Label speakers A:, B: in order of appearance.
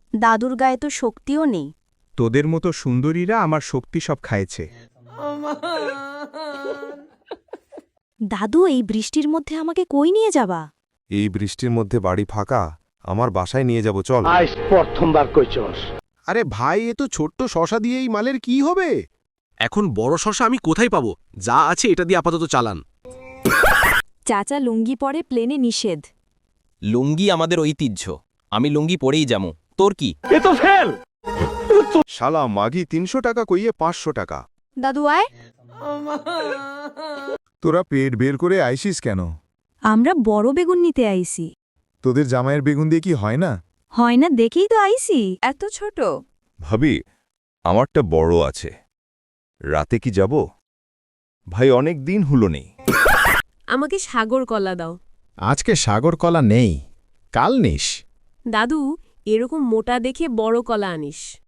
A: দাদুর গায়ে তো শক্তিও নেই।
B: তোদের মতো সুন্দরীরা আমার শক্তি সব খাইছে।
A: দাদু, এই বৃষ্টির মধ্যে আমাকে কই নিয়ে যাবা?
C: এই বৃষ্টির মধ্যে বাড়ি ফাঁকা, আমার বাসায় নিয়ে যাব, চল।
D: আজ প্রথমবার কইছস।
C: আরে ভাই, এ তো ছোট্ট শশা দিয়ে এই মালের কি হবে?
E: এখন বড় শশা আমি কোথায় পাবো? যা আছে এটা দিয়ে আপাতত চালান।
A: চাচা, লুঙ্গি পরে প্লেনে নিষেধ।
F: লুঙ্গি আমাদের ঐতিহ্য, আমি লুঙ্গি পরেই যামু, তোর কি?
D: এ তো ফেল।
C: শালা মাগি 300 টাকা কইয়ে 500 টাকা।
A: দাদু আয়।
G: তোরা পেট বের করে আইসিস কেন?
A: আমরা বড় বেগুন নিতে আইছি।
G: তোদের জামাইয়ের বেগুন দিয়ে কি হয় না?
A: হয় না দেখেই তো আইছি। এত ছোট।
C: ভাবি, আমারটা বড় আছে, রাতে কি যাব? ভাই অনেক দিন হলো নেই।
H: আমাকে সাগর কলা দাও।
G: আজকে সাগর কলা নেই, কাল নিস।
H: দাদু, এরকম মোটা দেখে বড় কলা আনিস।